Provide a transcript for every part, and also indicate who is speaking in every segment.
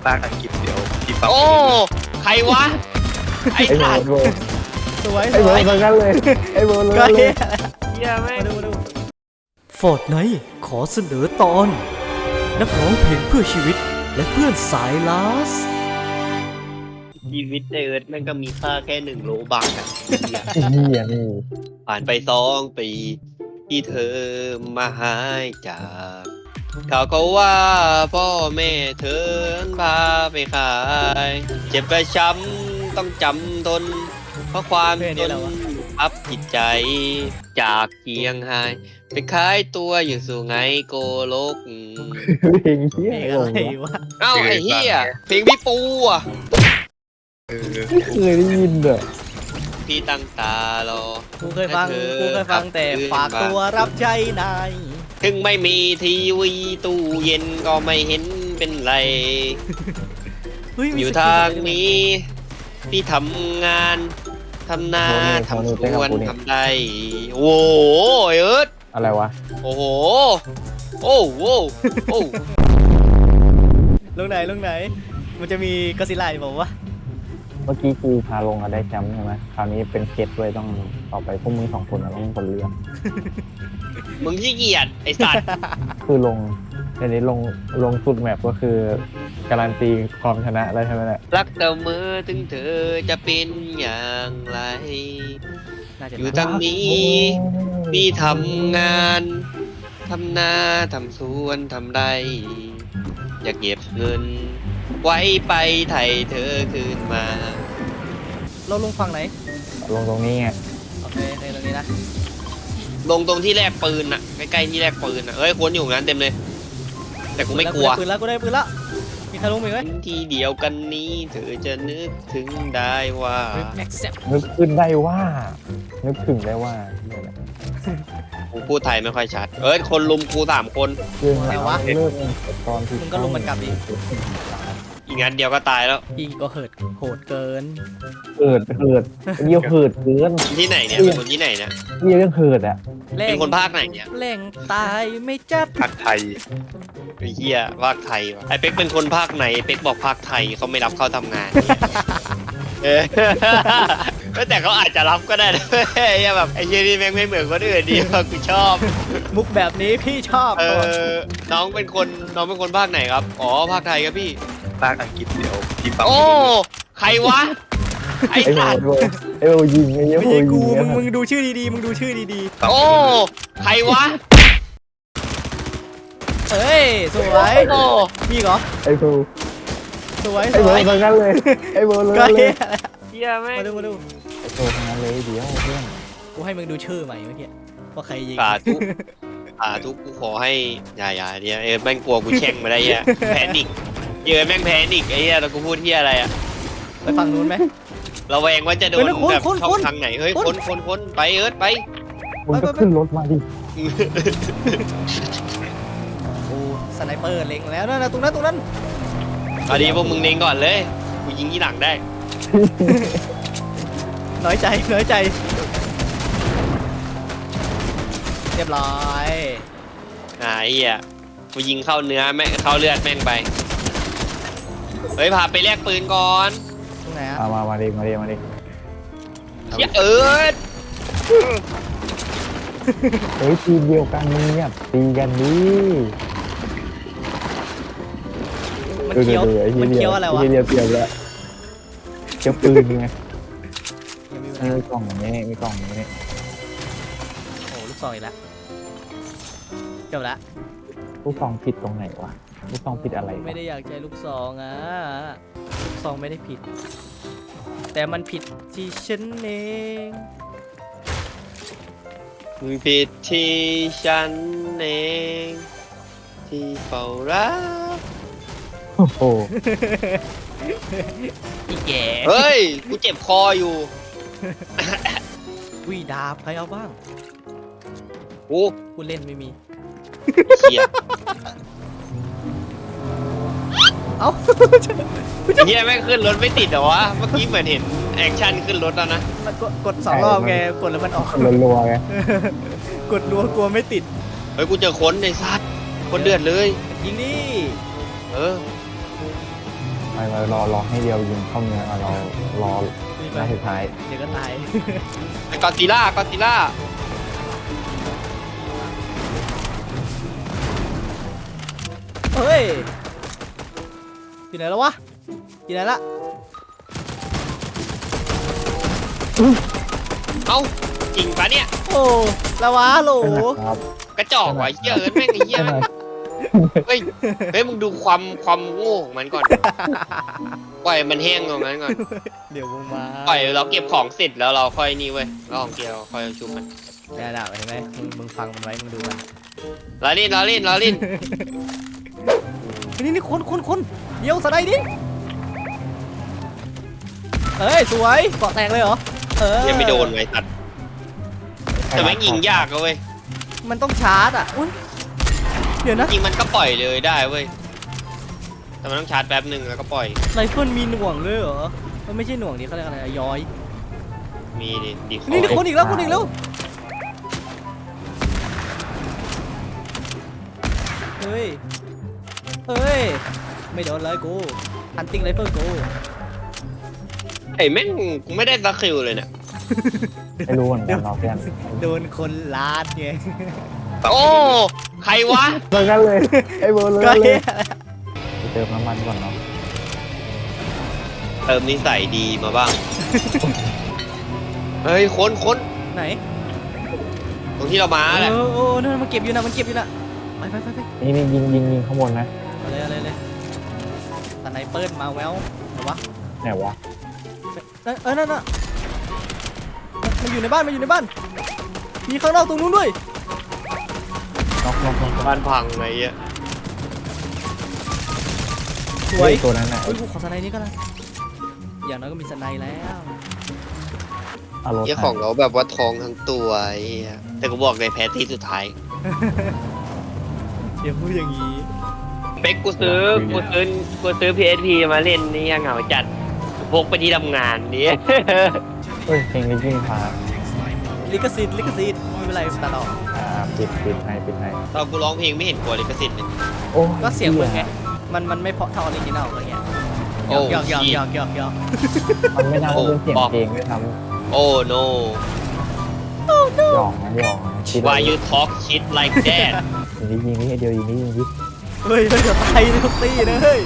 Speaker 1: ภาคอังกฤษเดี๋ยวพี่ฟัง
Speaker 2: โอ้ใครวะไอ้
Speaker 3: ไอ้โบ
Speaker 2: สัตว์
Speaker 3: โบ
Speaker 4: สวย
Speaker 3: ไอ้โบเหมือนกันเลยไอ้โบเลย
Speaker 4: ก็เฮีย
Speaker 2: เหี้ยแม่ง
Speaker 4: มาดูฟอร์ดไนท์ขอเสนอตอน นักร้องเพลงเพื่อชีวิตและเพื่อนสายลาส
Speaker 2: ชีวิตในเอิร์ธแม่งก็มีค่าแค่1 โลบักอะเหี้ย
Speaker 3: ไอ้เหี้ยนี่
Speaker 2: ผ่านไป2 ปีที่เธอมาหายจากเขาก็ว่าพ่อแม่เธอพาไปขาย เจ็บกระช้ำต้องจำทน เพราะความจนอับจิตใจ จากเชียงไฮ้ไปขายตัวอยู่สู่ไงโกโลก
Speaker 3: เพลงเหี้ย
Speaker 4: เพลง
Speaker 3: ไอ้
Speaker 4: อะ
Speaker 3: โบ
Speaker 4: ไรวะ
Speaker 2: เอ้าไอ้เหี้ยเพลงพี่ปูอ่ะ
Speaker 3: ไม่เคยได้ยินเด้อ
Speaker 2: พี่ตั้งตารอ
Speaker 4: กูเคยฟังแต่ฝากตัวรับใช้นาย
Speaker 2: ถึงไม่มีทีวีตู้เย็นก็ไม่เห็นเป็นไร
Speaker 4: เฮ้มี
Speaker 2: อยู่
Speaker 4: สกิล
Speaker 2: ทาง
Speaker 4: อะไรด้วย
Speaker 2: นี้พี่ทำงานทำนาทำสวนทำได้โอ้โหเอิร์ธ
Speaker 3: อะไรวะ
Speaker 2: โอ้โหโอ้โหโอ้
Speaker 4: ลงไหน มันจะมีกอซิลล่าบอกว่า
Speaker 3: เมื่อกี้กูพาลงอะได้แชมป์ใช่ไหมคราวนี้เป็นเกตด้วยต้องต่อไปพวกมึง2 คนอะต้องเป็นคนเลือก
Speaker 2: มึงขี้เกียจไอ้สัตว์
Speaker 3: คือลงอันนี้ลงสุดแมปก็คือการันตีความชนะได้ใช่ไหมเนี่ย
Speaker 2: รักเสมอถึงเธอจะเป็นอย่างไร
Speaker 4: น่าจะ
Speaker 2: อยู่ทางนี้ พี่ทำงานทำนาทำสวนทำไรอยากเก็บเงิน ไว้ไปไถ่เธอคืนมา
Speaker 4: เราลงฝั่งไหน
Speaker 3: ลงตรงนี้ไง
Speaker 4: โอเคในตรงนี้นะ
Speaker 2: ลงตรงที่แลกปืนอะใกล้ๆที่แลกปืนอะเอ้ยคนอยู่งั้นเต็มเลย แต่กูไม่กลัว
Speaker 4: ปืนแล้วกูได้ปืนแล้วมีใครลงมีไหม
Speaker 2: ที่เดียวกันนี้เธอจะนึกถึงได้ว่า
Speaker 4: แม็กเซป
Speaker 3: นึกขึ้นได้ว่านึกถึงได้ว่าเนี่ยแหละ
Speaker 2: กูพูดไทยไม่ค่อยชัด เอ้ยคนลุมกู3 คน
Speaker 3: เรื่องราวเริ่มตอนที่
Speaker 4: มึงก็ลงมันกลับดิ
Speaker 2: อีกงั้นเดียวก็ตายแล้ว
Speaker 4: อีก็เหิดโหดเกิน
Speaker 3: เหิดเยี่ยวเหิดเกิน
Speaker 2: ที่ไหนเนี่ยเป็นคนที่ไหนเนี่ย
Speaker 3: เยี่ยวยังเหิดอ่ะ
Speaker 2: เป็นคนภาคไหนเนี่ย
Speaker 4: แหล่งตายไม่จัด
Speaker 1: ภาคไทย
Speaker 2: ไอ้เหี้ยภาคไทยวะไอ้เป็กเป็นคนภาคไหนเป็กบอกภาคไทยเขาไม่รับเข้าทำงานเออ แต่เขาอาจจะรับก็ได้นะไอ้เหี้ยแบบไอ้เหี้ยนี่แม่งไม่เหมือนคนอื่นดีว่ะกูชอบ
Speaker 4: มุกแบบนี้พี่ชอบ
Speaker 2: น้องเป็นคนภาคไหนครับอ๋อภาคไทยครับพี่
Speaker 1: ภาคอังกฤษเดี๋ยวพี่ฟัง
Speaker 2: โอ้ใครวะไอ้
Speaker 3: ไอ้โบ
Speaker 2: สัตว์
Speaker 3: ไอ้โบยิงไอ้เยี่ยว
Speaker 4: ไม่
Speaker 3: โบ
Speaker 4: ใช่
Speaker 3: ยิ
Speaker 4: กู
Speaker 3: ง
Speaker 4: มึงดูชื่อดีๆมึงดูชื่อดี
Speaker 2: โอ้ใครวะ
Speaker 4: ๆเอ้ยสวย
Speaker 2: โอ้
Speaker 4: มีเหรอ
Speaker 3: ไอ้โบ
Speaker 4: สวย
Speaker 3: ไอ้โบเหมือนกันเลยไอ้โบเลย
Speaker 4: ก็เฮีย
Speaker 2: เหี้ยแม่ง
Speaker 4: มาดู
Speaker 3: ไอ้โบทั้งนั้นเลยเดี๋ยวเพื่อน
Speaker 4: กูให้มึงดูชื่อใหม่เมื่อกี้ว่าใครยิง
Speaker 2: สาธุกูขอให้อย่าเนี่ยแม่งกลัวกูแช่งมาได้เหี้ยแพนิกเยอะแม่งแพนิกไอ้เหี้ยแล้วกูพูดเหี้ยอะไรอะ
Speaker 4: ไปฝั่งนู้นไหม
Speaker 2: ระแวงว่าจะโดน
Speaker 4: เฮ้ยแล้วคุณ
Speaker 2: แบบ
Speaker 4: คุณ
Speaker 2: ช่อ
Speaker 4: คุ
Speaker 2: ง
Speaker 4: ณ
Speaker 2: ทางไหนเฮ้ยคนไปเอิร์ธไป
Speaker 3: มึงก็ขึ้นรถมาดิ
Speaker 4: โอ้สไนเปอร์เล็งแล้วนั่นนะตรงนั้น
Speaker 2: เอาดีพวกมึงเน้งก่อนเลยกูยิงที่หลังได้
Speaker 4: น้อยใจเรียบร้อย
Speaker 2: ไอ้เหี้ยกูยิงเข้าเนื้อแม่งเข้าเลือดแม่งไปเฮ้ยพาไปแลกปืนก่อน
Speaker 4: ตรงไหนอะ
Speaker 3: มาดิ
Speaker 2: เหี้ยเอิร์ธ
Speaker 3: เฮ้ยทีมเดียวกันมึงเนี่ยตีกันดิ
Speaker 4: มันเคี้ยวอะไรวะ
Speaker 3: เดียวเปรียบแล้วเกี่ยวปืนไง
Speaker 4: ยังมีเว
Speaker 3: นี่
Speaker 4: ลา
Speaker 3: มีกล่องอย่างนี้มีกล่องอย่างนี้
Speaker 4: โอ้ลูกซองอีกแล้วจบละ
Speaker 3: ลูกซองผิดตรงไหนวะลูกซองผิดอะไรวะ
Speaker 4: ไม่ได้อยากใช้ลูกซองอ่ะลูกซองไม่ได้ผิด แต่มันผิดที่ฉันเอง
Speaker 2: มึงผิดที่ฉันเองที่เฝ้ารัก
Speaker 3: โอ้โห
Speaker 4: อีแก่
Speaker 2: เฮ้ยกูเจ็บคออยู่
Speaker 4: วิดาบใครเอาบ้าง
Speaker 2: โอ้
Speaker 4: กูเล่นไม่มี
Speaker 2: เหี้ย
Speaker 4: เอ้า
Speaker 2: เฮียแม่งขึ้นรถไม่ติดเหรอวะเมื่อกี้เหมือนเห็นแอคชั่นขึ้นรถแล้วนะ
Speaker 4: มันกด2 รอบไงกดแล้วมันออก
Speaker 3: รัวๆไง
Speaker 4: กดรัวกลัวไม่ติด
Speaker 2: เฮ้ยกูเจอคนในซัดคนเดือดเลย
Speaker 4: ยิงดิ
Speaker 2: เออ
Speaker 3: ไปรอให้เดียวยิงเข้าเนื้อเรารอหน้าสุดท้าย
Speaker 4: เดี๋ยวก็ตาย
Speaker 2: ไอ้กอซิล่ากอซิล่า
Speaker 4: เฮ้ยอยู่ไหนแล้ววะอยู่ไหนละ
Speaker 2: เอ้าจริงปะเนี่ย
Speaker 4: โอ้ละวะโหล
Speaker 3: ครับ
Speaker 2: กระจอกว่ะเหี้ยแม่งไอ้เหี้ยแม่งเฮ้ยมึงดูความโง่ของมันก่อนปล่อยมันแห้งตรงนั้นก่อน
Speaker 4: เดี๋ยวมึงมา
Speaker 2: ปล่อยเราเก็บของเสร็จแล้วเราค่อยนี่เว้ยเราของเกียวค่อยเอาชุบมัน
Speaker 4: ด่าเห็นไหมมึงฟังมันไว้มึงดูมัน
Speaker 2: ล้อเล่นล้อเล่นล้อเล่น
Speaker 4: นี่คนเดี๋ยวสไลด์ดิเอ้ยสวยเกาะแตกเลยเหรอ
Speaker 2: ยังไม่โดนไว้ตัดแต่แม่งยิงยากอะเว้ย
Speaker 4: มันต้องชาร์จอ่ะอุ๊ยเดี๋ยวนะ
Speaker 2: จริงมันก็ปล่อยเลยได้เว้ยแต่มันต้องชาร์จแป๊บหนึ่งแล้วก็ปล่อย
Speaker 4: ไรเฟิลมีหน่วงเลยเหรอมันไม่ใช่หน่วงดิเขาเรียกอะไรย้อย
Speaker 2: มีดิดีคอ
Speaker 4: นี่คนอีกแล้วเฮ้ยไม่โดนเลยกูฮันติงไรเฟิลกู
Speaker 2: ไอ้แม่งกูไม่ได้สักคิวเลยเนี่ย
Speaker 3: ไม่รู้เหมือนกันเราเพื่อน
Speaker 4: โดนคนลาดไง
Speaker 2: โอ้ใครวะ
Speaker 3: เหมือนกันเลยไอ้เบอร์เลย
Speaker 4: ก็
Speaker 3: เล
Speaker 4: เฮ้
Speaker 3: ย
Speaker 4: ย
Speaker 3: ไปเติมน้ำมันก่อนเนาะ
Speaker 2: เติมนิสัยดีมาบ้าง เฮ้ยคน
Speaker 4: ไหน
Speaker 2: ตรงที่เรามาแหละ
Speaker 4: โอ้นั่นมันเก็บอยู่นะไป
Speaker 3: นี่ยิงข้างบนนะ
Speaker 4: เอาเลยสไนเปอร์มาแววหรอวะ
Speaker 3: ไหนวะ
Speaker 4: นั่นน่ะมันอยู่ในบ้านมีข้างนอกตรงนู้นด้วย
Speaker 3: น็อก
Speaker 2: บ้านพังไงเงี้ย
Speaker 4: สวย
Speaker 3: ตัวนั้นน่ะ
Speaker 4: เฮ้ยกูขอสไนนี้ก็ได้อย่างน้อยก็มีสไนแล้ว
Speaker 3: เอารถ
Speaker 2: เจ้าของเราแบบว่าทองทั้งตัวไอ้เหี้ยแต่กูบอกในแพ้ที่สุดท้าย
Speaker 4: เดี๋ยวพูดอย่างนี้
Speaker 2: เป็กกูซื้อ PSP มาเล่นนี่ยังเหงาจัดพกไปที่ทำงานนี่
Speaker 3: เฮ้ยเพลงนี้ยิ่งพา
Speaker 4: ลิขสิทธิ์ไม่เป็นไรตัดออก
Speaker 3: ปิดให้
Speaker 2: ตอนกูร้องเพลงไม่เห็นกลัวลิขสิทธิ์เลย
Speaker 3: โอ้
Speaker 4: ก็เสียงมึงไงมันไม่เพราะเท่าออริจินัลอะไรเงี้ย
Speaker 2: โอ้
Speaker 4: หยอก
Speaker 3: มันไม่น่าเป็นเสียงเพลงด้วยซ้
Speaker 2: โอ้ no
Speaker 3: ำหยองคิด
Speaker 2: why you talk shit like that
Speaker 3: ยิงนี่เดียวยิงนี่
Speaker 4: เฮ้ยเดี๋ยวตายทุกตีนะเฮ้ย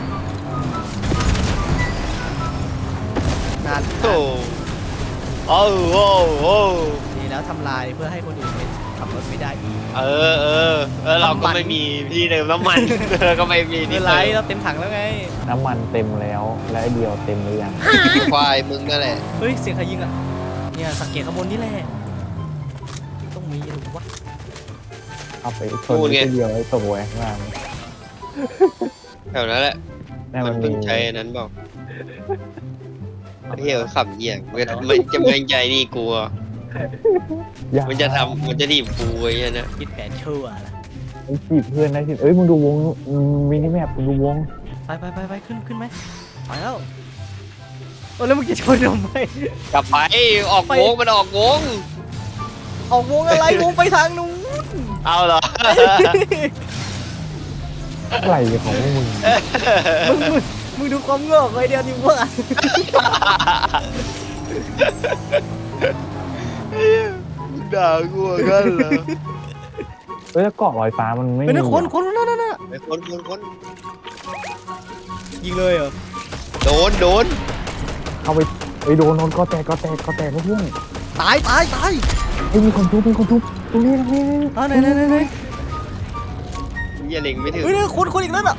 Speaker 4: นาน
Speaker 2: โอ้โอ้โอ้
Speaker 4: ดีแล้วทำลายเพื่อให้คนอื่นขับรถไม่ได้อีก
Speaker 2: เราก็ไม่มีที่เติมน้ำมัน ก็ไม่มี
Speaker 4: ไม่
Speaker 2: ที่
Speaker 4: เป็นไร
Speaker 2: เติม
Speaker 4: เราเต็มถังแล้วไง
Speaker 3: น้ำมันเต็มแล้วและเดียวเต็มหรือยัง
Speaker 2: ควายมึงนั่นแหละ
Speaker 4: เฮ้ยเสียงใครยิงอ่ะเนี่ยสังเกตข้างบนนี่แหละต้องมีหรือวะ
Speaker 3: เอาไปชนเดียวไอ้ตกไว้ข้างล่าง
Speaker 2: แถวนั้นแหละ
Speaker 3: นั่น
Speaker 2: มั
Speaker 3: มัน น
Speaker 2: เพิ่งใช้อันนั้นบอกเที่ยวขับเหี้ยมันจะไม่ใจนี่กลัว มันจะถีบกูไอ้เงี้ยนะ
Speaker 4: คิดแผนชั่วละ
Speaker 3: ไอ้จีบเพื่อนได้สิเอ้ยมึงดูวงมินิแมปมึงดูวง
Speaker 4: ไปขึ้นไหมไปแล้วโอ้แล้วมึงจะชนทำไม
Speaker 2: กลับไปออกวงมันออกวง
Speaker 4: ออกวงอะไรวงไปทางนู้น
Speaker 2: เอาเหรอ
Speaker 3: อะไรของมึง
Speaker 4: มึงดูความโงอกไว้เดียวนี่ว่า
Speaker 2: ด่ากูกันเหรอ
Speaker 3: เอ้ยแล้วเกาะลอยฟ้ามันไม่
Speaker 4: เป็น
Speaker 3: มี
Speaker 4: คนนั่น
Speaker 2: ไอ้คน
Speaker 4: ยิงเลยเหรอ
Speaker 2: โดน
Speaker 3: เข้าไปไอ้โดนก็แตกเพื่อน
Speaker 4: ตาย
Speaker 3: ไอ้มีคนทุบตรงนี้
Speaker 4: ไหน
Speaker 2: อย่าเล็งไม่ถึง
Speaker 4: เฮ้ยคนอีกนั่นอ่ะ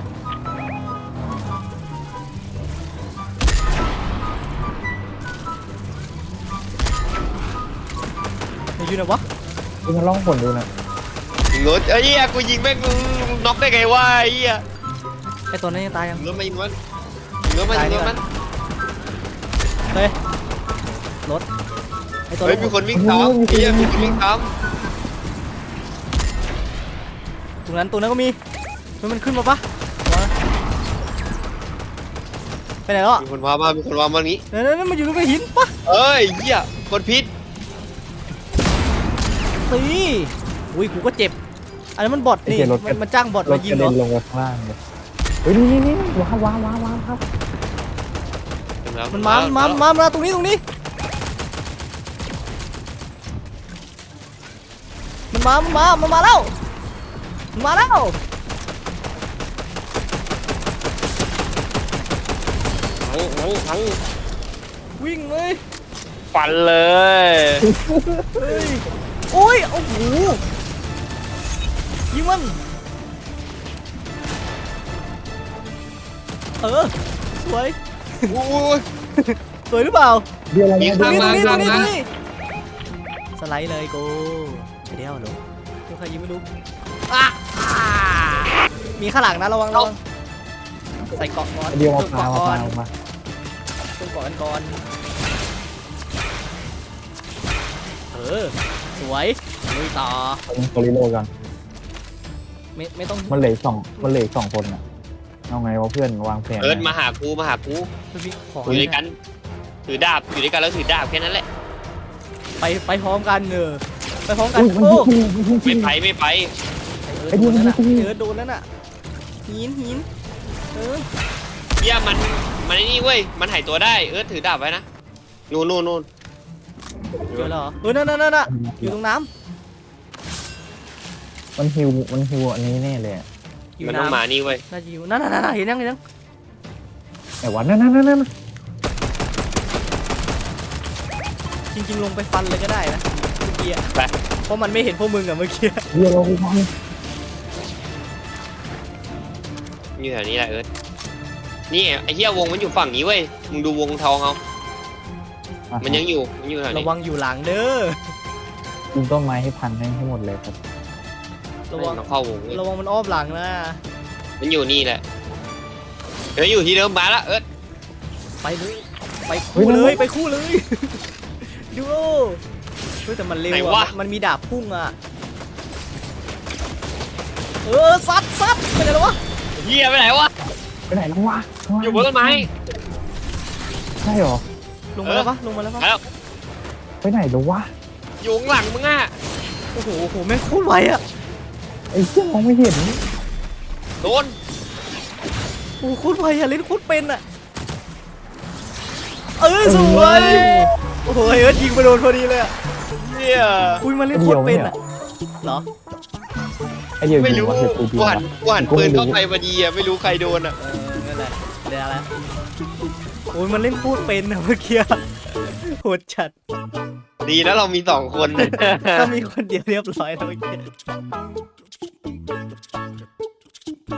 Speaker 4: อยู่ไหนวะ
Speaker 3: มันล่องผลดูนะ
Speaker 2: ยิงรถเอ้ยกูยิงแม่งมึงน็อกได้ไงวะไอ้เหี้ย
Speaker 4: ไอตัวนั้นยังตายยัง
Speaker 2: ยิงรถมายิงมัน
Speaker 4: เฮ้ยรถไอตัว
Speaker 2: เฮ้ยมีคนวิ่งตามไอ้เหี้ยมีคนวิ่งตาม
Speaker 4: ตรงนั้นก็มีมันขึ้นมาปะไปไหนแล้วอ่ะ
Speaker 2: มีคนพามานี้
Speaker 4: นั่นมันอยู่ตรงหินปะ
Speaker 2: เอ้ยเหี้ยคนพิษ
Speaker 4: ตีอุ้ยกูก็เจ็บอันนั้นมันบอทนี่มันจ้างบอท
Speaker 3: ร
Speaker 4: มา
Speaker 3: ถ
Speaker 4: ยิ
Speaker 3: ก
Speaker 4: ง
Speaker 3: ระ
Speaker 4: เหร
Speaker 3: เด็
Speaker 4: อน
Speaker 3: ลงไปข้างล่างเลยเฮ้ยนี่ว้าวครับ
Speaker 4: มันมาตรงนี้มันมาแล้ว
Speaker 2: ทั้ง
Speaker 4: วิ่งเลย
Speaker 2: ฟันเลย
Speaker 4: เฮ้ยโอ้ยโอ้โหยิงมันสวย
Speaker 2: อุ้ย
Speaker 4: สวยหรือเปล่า
Speaker 3: เดี๋ยวอะไร
Speaker 2: ยิง
Speaker 3: นะ
Speaker 2: ข้าง
Speaker 4: ตรง
Speaker 2: มา
Speaker 4: นี้สไลด์เลยกูเดี๋ยวหนูใครยิงไม่รู้มีข้างหลังนะระวังใส่เกาะก่อน
Speaker 3: เดี๋ยวมา
Speaker 4: เกาะ
Speaker 3: มา
Speaker 4: ก่อน
Speaker 3: มา
Speaker 4: ต้องเกาะกันก่อนสวยลุยต่อ
Speaker 3: โซลิโลกัน
Speaker 4: ไม่ต้อง
Speaker 3: มันเหลือสองคนอ่ะเอาไงวะเพื่อนวางแผน
Speaker 2: เอิร์ธมาหากู
Speaker 4: พี่ของ
Speaker 2: อยู่ด้วยกันถือดาบอยู่ด้วยกันแล้วถือดาบแค่นั้นแหละ
Speaker 4: ไปพร้อมกันไปพร้อมกัน
Speaker 3: มัน
Speaker 4: โอ้
Speaker 3: ยิง
Speaker 2: ไม่ไป
Speaker 4: โดนนั่นน่ะโดนนั่นน่ะหิน
Speaker 2: เฮียมันไอ้นี่เว้ยมันหายตัวได้เอิร์ธถือดาบไว้นะนู่น
Speaker 4: เจอแล้วเหรอนั่นน่ะอยู่ตรงน้
Speaker 3: มันฮิวอันนี้แน่เลย
Speaker 4: ำอยู่
Speaker 2: มันต้อง
Speaker 4: น้ำ
Speaker 2: มานี่เว้ย
Speaker 4: น่าจะอยู่นั่นเห็นยัง
Speaker 3: แต่ว่านั่น
Speaker 4: จริงๆลงไปฟันเลยก็ได้นะเมื่อกี้เพราะมันไม่เห็นพวกมึงอะเมื่อกี้
Speaker 3: เดี๋ยวเราไปฟัง
Speaker 2: อยู่แถวนี้แหละเอิร์ธนี่ไอ้เฮียวงมันอยู่ฝั่งนี้เว้ยมึงดูวงทองเอามันยังอยู่แถว
Speaker 4: ระ
Speaker 2: นี้
Speaker 4: วังอยู่หลังเด้อ
Speaker 3: กินต้นไม้ให้พันให้หมดเลยครับ
Speaker 4: ระวัง
Speaker 2: มันเข้าวงเว้ย
Speaker 4: ระวังมันอ้อมหลังนะ
Speaker 2: มันอยู่นี่แหละเฮ้ยอยู่ที่เดิมมาละเอิร์ธ
Speaker 4: ไปเลยไปคู่เลยดูแต่มันเร็วอะมันมีดาบพุ่งอะซัดไปไหนแล้ววะ
Speaker 2: เฮียไปไหนวะ
Speaker 3: ไปไหนแล้ววะ
Speaker 2: อยู่บนต้นไม้
Speaker 3: ใช่หรอ
Speaker 4: ลงมาแล้วปะ
Speaker 2: แล้ว
Speaker 3: ไปไหนแล้ววะ
Speaker 2: อยู่ข้างหลังมึงอ่ะ
Speaker 4: โอ้โหแม่งโคตรไวอะ
Speaker 3: ไอ้เจ้ามองไม่เห็น
Speaker 2: โดน
Speaker 4: โอ้โหโคตรไวอะเล่นโคตรเป็นอะสวยโอ้โหยิงไปโดนพอดีเลยอะ
Speaker 2: เนี่ย
Speaker 4: อุ้ยมันเล่นโคตรเป็นอะเหรอ
Speaker 3: ไอ้เดียว
Speaker 2: ไม่
Speaker 3: ยิง
Speaker 2: รู้
Speaker 3: ว่าเสร็จกูดี
Speaker 2: ห
Speaker 3: วะ
Speaker 2: วานปืนเข้าไปพอดีอ่ะไม่รู้ใครโดนอ่ะ
Speaker 4: นั่นแหละเดี๋ยวอะไรโอ้ยมันเล่นพูดเป็นอะเมื่อกี้โหดจัด
Speaker 2: ดีแล้วเรามี2 คน
Speaker 4: ถ้ามีคนเดียวเรียบร้อยแล้วเมื่อกี้